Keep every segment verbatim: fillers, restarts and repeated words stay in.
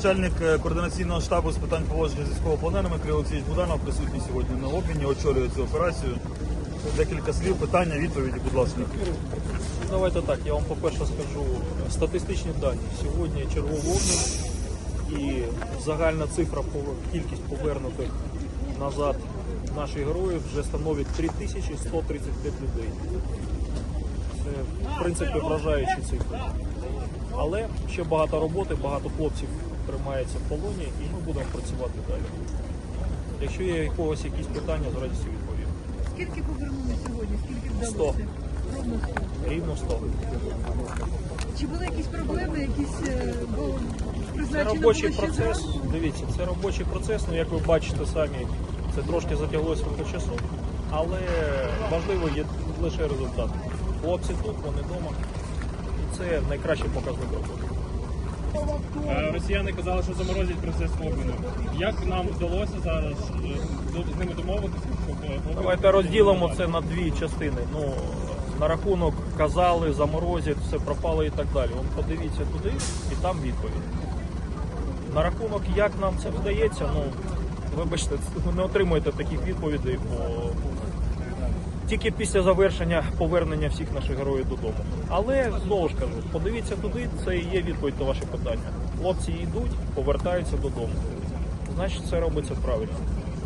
Начальник координаційного штабу з питань поводження з військовополоненими Кирило Олексійович Буданов присутній сьогодні на обміні, очолює цю операцію. Декілька слів, питання, відповіді, будь ласка. Давайте так, я вам по-перше скажу статистичні дані. Сьогодні черговий обмін і загальна цифра по кількість повернутих назад наших героїв вже становить три тисячі сто тридцять п'ять людей. Це, в принципі, вражаючі цифри. Але ще багато роботи, багато хлопців тримається в полоні і ми будемо працювати далі. Якщо є у когось якісь питання, з радістю відповім. Скільки повернули сьогодні? Скільки вдалося? сто. Ровно сто. Рівно сто. Чи були якісь проблеми, якісь е, бо Це призначено робочий було ще процес, зранку? дивіться, це робочий процес, ну як ви бачите самі, це трошки затяглося по часу, але важливо є лише результат. Хлопці тут, вони вдома, і це найкращий показник роботи. Е, Росіяни казали, що заморозять процес обміну. Як нам вдалося зараз е, з ними домовитися? щоб, е, обмін- Давайте розділимо це на дві частини. Ну, на рахунок казали, заморозять, все пропало і так далі. Вон подивіться туди і там відповідь. На рахунок, як нам це вдається, ну, вибачте, ви не отримуєте таких відповідей по... тільки після завершення повернення всіх наших героїв додому. Але, знову ж кажу, подивіться туди, це і є відповідь на ваше питання. Хлопці йдуть, повертаються додому. Значить, це робиться правильно.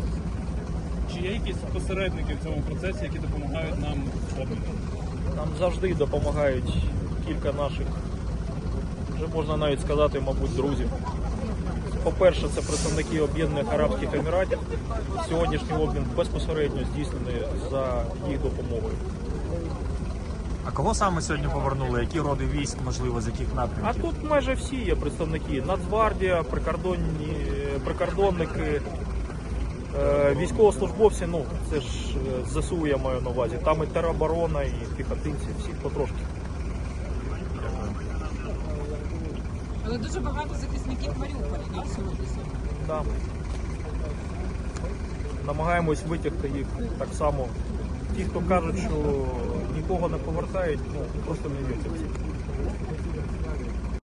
Чи є якісь посередники в цьому процесі, які допомагають нам в обміну? Нам завжди допомагають кілька наших, вже можна навіть сказати, мабуть, друзів. По-перше, це представники Об'єднаних Арабських Еміратів. Сьогоднішній обмін безпосередньо здійснений за їх допомогою. А кого саме сьогодні повернули? Які роди військ, можливо, з яких А напрямків? тут майже всі є представники. Нацгвардія, прикордонні, прикордонники, е, військовослужбовці, ну це ж е, ЗСУ я маю на увазі. Там і тероборона, і піхотинці, всі потрошки. Але дуже багато захисників Маріуполя на сьогодні. Да. Намагаємось витягти їх так само. Ті, хто кажуть, що нікого не повертають, ну просто не вірять в це.